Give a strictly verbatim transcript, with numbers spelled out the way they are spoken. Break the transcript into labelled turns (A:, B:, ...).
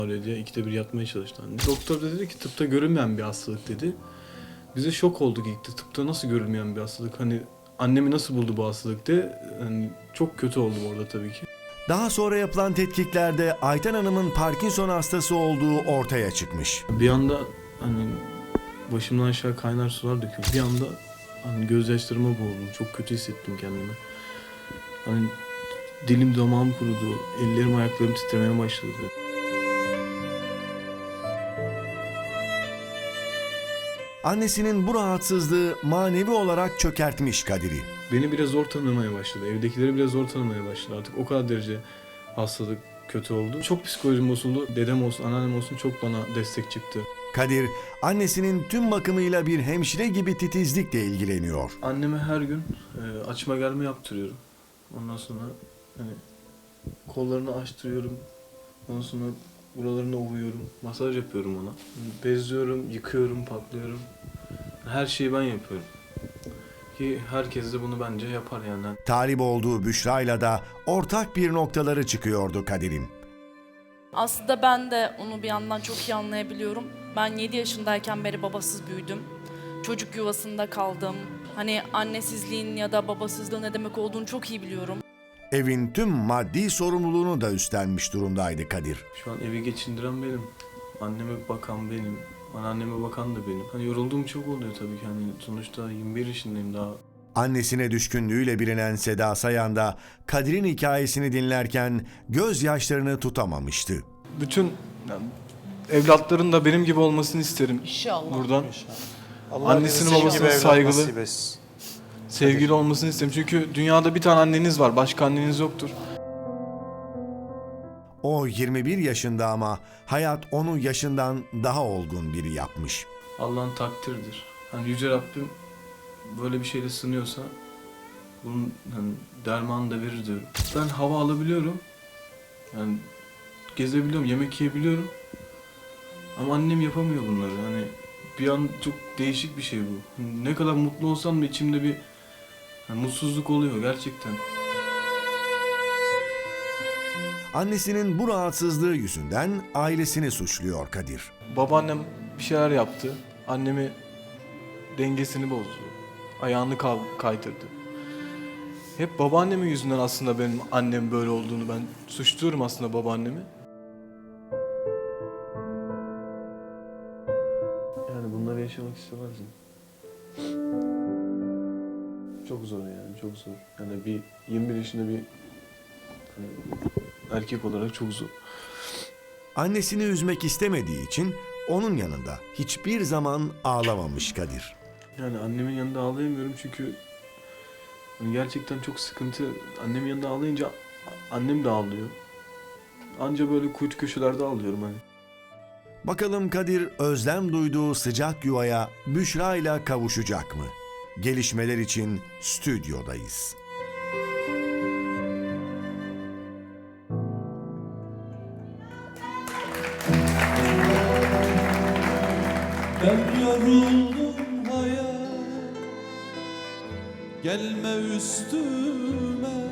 A: Öyle diye ikide bir yatmaya çalıştı anne. Doktor da dedi ki tıpta görülmeyen bir hastalık dedi. Bize şok olduk ilk de. Tıpta nasıl görülmeyen bir hastalık? Hani annemi nasıl buldu bu hastalık diye. Yani çok kötü oldum orada tabii ki.
B: Daha sonra yapılan tetkiklerde Ayten Hanım'ın Parkinson hastası olduğu ortaya çıkmış.
A: Bir anda hani başımdan aşağı kaynar sular döküldü. Bir anda hani gözyaşlarıma boğuldum. Çok kötü hissettim kendimi. Hani dilim damağım kurudu. Ellerim ayaklarım titremeye başladı.
B: Annesinin bu rahatsızlığı manevi olarak çökertmiş Kadir'i.
A: Beni biraz zor tanımaya başladı. Evdekileri biraz zor tanımaya başladı. Artık o kadar derece hastalık kötü oldu. Çok psikolojim bozuldu. Dedem olsun, anneannem olsun çok bana destek çıktı.
B: Kadir, annesinin tüm bakımıyla bir hemşire gibi titizlikle ilgileniyor.
A: Anneme her gün e, açma gelme yaptırıyorum. Ondan sonra hani kollarını açtırıyorum. Ondan sonra buralarını ovuyorum. Masaj yapıyorum ona. Bezliyorum, yıkıyorum, patlıyorum. Her şeyi ben yapıyorum. Ki herkes de bunu bence yapar yani.
B: Talip olduğu Büşra'yla da ortak bir noktaları çıkıyordu Kadir'in.
C: Aslında ben de onu bir yandan çok iyi anlayabiliyorum. Ben yedi yaşındayken beri babasız büyüdüm. Çocuk yuvasında kaldım. Hani annesizliğin ya da babasızlığın ne demek olduğunu çok iyi biliyorum.
B: Evin tüm maddi sorumluluğunu da üstlenmiş durumdaydı Kadir.
A: Şu an evi geçindiren benim. Anneme bakan benim. Anneanneme bakan da benim. Hani yorulduğum çok oluyor tabii ki. Hani sonuçta yirmi bir yaşındayım daha.
B: Annesine düşkünlüğüyle bilinen Seda Sayan da Kadir'in hikayesini dinlerken gözyaşlarını tutamamıştı.
D: Bütün yani, evlatların da benim gibi olmasını isterim.
C: İnşallah.
D: Buradan
E: Allah
D: annesinin
E: bize
D: babasının
E: gibi evlat
D: saygılı,
E: nasip etsin.
D: sevgili olmasını isterim. Çünkü dünyada bir tane anneniz var, başka anneniz yoktur.
B: O yirmi bir yaşında ama hayat onu yaşından daha olgun biri yapmış.
A: Allah'ın takdiridir. Hani Yüce Rabbim böyle bir şeyle sınıyorsa bunun hani dermanını da verir diyorum. Ben hava alabiliyorum. Yani gezebiliyorum, yemek yiyebiliyorum. Ama annem yapamıyor bunları. Hani bir an çok değişik bir şey bu. Hani ne kadar mutlu olsam da içimde bir hani mutsuzluk oluyor gerçekten.
B: Annesinin bu rahatsızlığı yüzünden ailesini suçluyor Kadir.
D: Babaannem bir şeyler yaptı. Annemi dengesini bozdu. Ayağını kal- kaydırdı. Hep babaannemin yüzünden aslında benim annem böyle olduğunu ben suçluyorum aslında babaannemi.
A: Yani bunları yaşamak istemezdim. Çok zor yani, çok zor. Yani bir yirmi bir yaşında bir hani, erkek olarak çok zor.
B: Annesini üzmek istemediği için onun yanında hiçbir zaman ağlamamış Kadir.
A: Yani annemin yanında ağlayamıyorum çünkü hani gerçekten çok sıkıntı. Annemin yanında ağlayınca a- annem de ağlıyor. Anca böyle kuytu köşelerde ağlıyorum hani.
B: Bakalım Kadir özlem duyduğu sıcak yuvaya Büşra ile kavuşacak mı? Gelişmeler için stüdyodayız.
F: Ben yoruldum hayat, gelme üstüme.